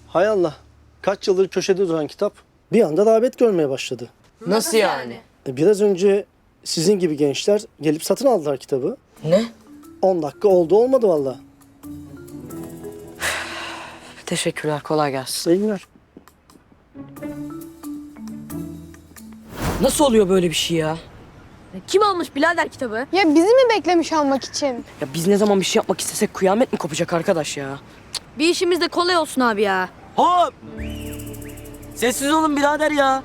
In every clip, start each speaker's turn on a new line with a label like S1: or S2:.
S1: Hay Allah. Kaç yıldır köşede duran kitap bir anda rağbet görmeye başladı.
S2: Nasıl yani?
S1: Biraz önce sizin gibi gençler gelip satın aldılar kitabı.
S2: Ne?
S1: 10 dakika oldu olmadı vallahi.
S2: Teşekkürler, kolay gelsin.
S1: İyi günler.
S2: Nasıl oluyor böyle bir şey ya?
S3: Kim almış birader kitabı?
S4: Ya bizi mi beklemiş almak için?
S2: Ya biz ne zaman bir şey yapmak istesek kıyamet mi kopacak arkadaş ya?
S3: Bir işimiz de kolay olsun abi ya.
S5: Hop! Sessiz olun birader ya.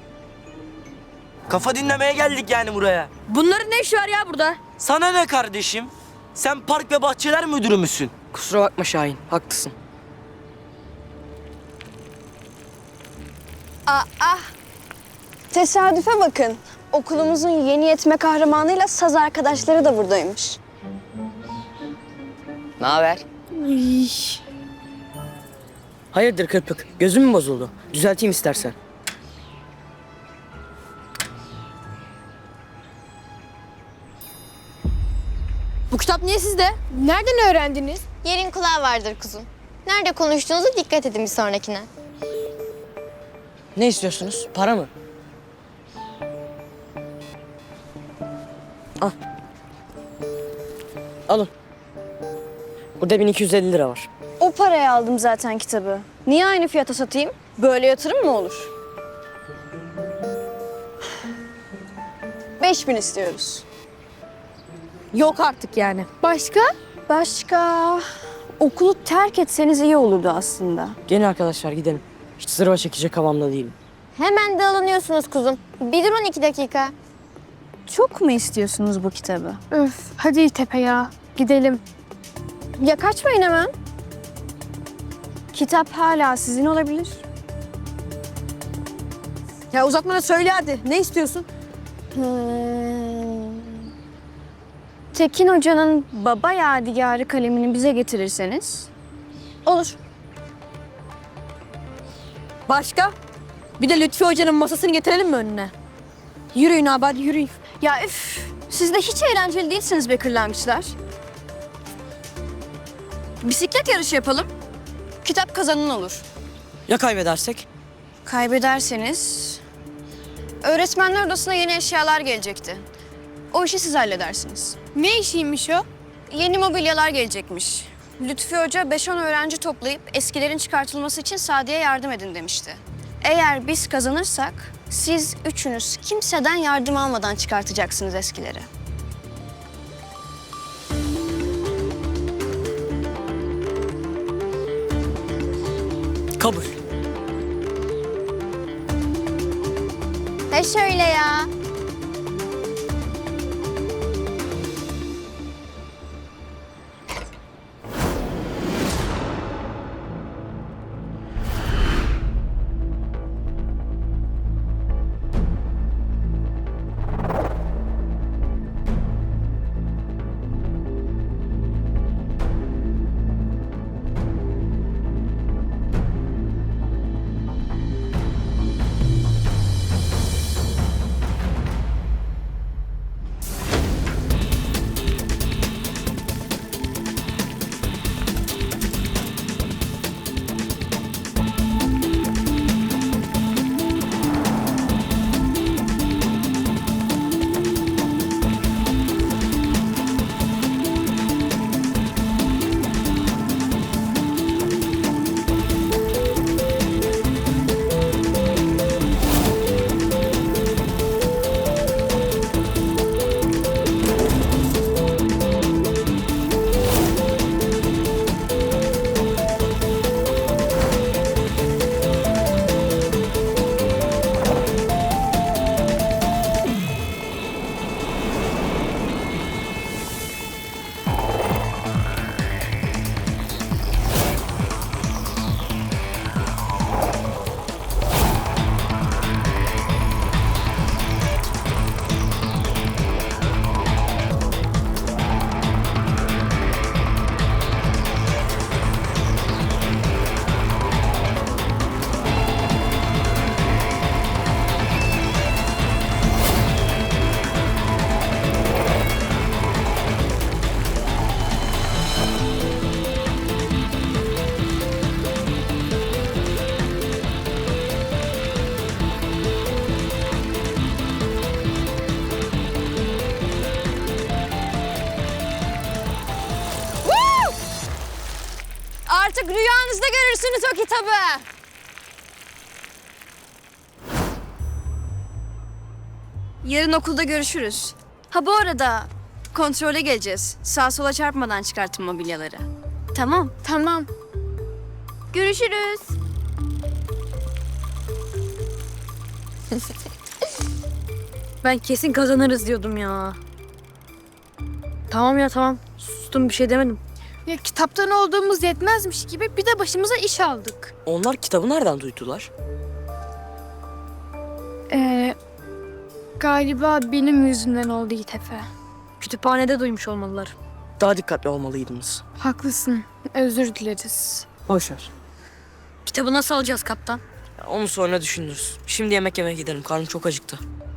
S5: Kafa dinlemeye geldik yani buraya.
S3: Bunların ne işi var ya burada?
S5: Sana ne kardeşim? Sen park ve bahçeler müdürü müsün?
S2: Kusura bakma Şahin, haklısın.
S4: Tesadüfe bakın. Okulumuzun yeni yetme kahramanıyla saz arkadaşları da buradaymış.
S2: Ne haber? Hayırdır Kırpık, gözün mü bozuldu? Düzelteyim istersen.
S3: Bu kitap niye sizde?
S4: Nereden öğrendiniz?
S6: Yerin kulağı vardır kuzum. Nerede konuştuğunuza dikkat edin bir sonrakine.
S2: Ne istiyorsunuz? Para mı? Al. Alın. Burada 1250 lira var.
S4: O paraya aldım zaten kitabı. Niye aynı fiyata satayım? Böyle yatırım mı olur? 5000 istiyoruz.
S3: Yok artık yani.
S4: Başka? Başka... Okulu terk etseniz iyi olurdu aslında.
S2: Gelin arkadaşlar gidelim. Hiç zırva çekecek havamda değilim.
S6: Hemen de alınıyorsunuz kuzum. Bir durun 2 dakika.
S4: Çok mu istiyorsunuz bu kitabı?
S7: Öf, hadi Tepe ya. Gidelim.
S4: Ya kaçmayın hemen. Kitap hala sizin olabilir.
S3: Ya uzatma da söyle hadi. Ne istiyorsun?
S4: Tekin Hoca'nın baba yadigarı kalemini bize getirirseniz olur.
S3: Başka? Bir de Lütfi Hoca'nın masasını getirelim mi önüne? Yürüyün abi hadi yürüyün.
S4: Ya siz de hiç eğlenceli değilsiniz be kırlangıçlar. Bisiklet yarışı yapalım. Kitap kazanan olur.
S2: Ya kaybedersek?
S4: Kaybederseniz öğretmenler odasına yeni eşyalar gelecekti. O işi siz halledersiniz.
S7: Ne işiymiş o?
S4: Yeni mobilyalar gelecekmiş. Lütfi Hoca 5-10 öğrenci toplayıp eskilerin çıkartılması için Sadiye yardım edin demişti. Eğer biz kazanırsak siz üçünüz kimseden yardım almadan çıkartacaksınız eskileri.
S2: Kabul.
S6: He şöyle ya.
S4: Artık rüyanızda görürsünüz o kitabı. Yarın okulda görüşürüz. Ha bu arada kontrole geleceğiz. Sağa sola çarpmadan çıkartın mobilyaları. Tamam.
S7: Tamam. Görüşürüz.
S3: Ben kesin kazanırız diyordum ya. Tamam ya tamam. Sustum bir şey demedim.
S7: Ya kitaptan olduğumuz yetmezmiş gibi bir de başımıza iş aldık.
S2: Onlar kitabı nereden duydular?
S7: Galiba benim yüzümden oldu Yiğit Efe.
S3: Kütüphanede duymuş olmalılar.
S2: Daha dikkatli olmalıydınız.
S7: Haklısın. Özür dileriz.
S2: Boş ver.
S3: Kitabı nasıl alacağız kaptan?
S2: Ya onu sonra düşünürüz. Şimdi yemek yemeye gidelim. Karnım çok acıktı.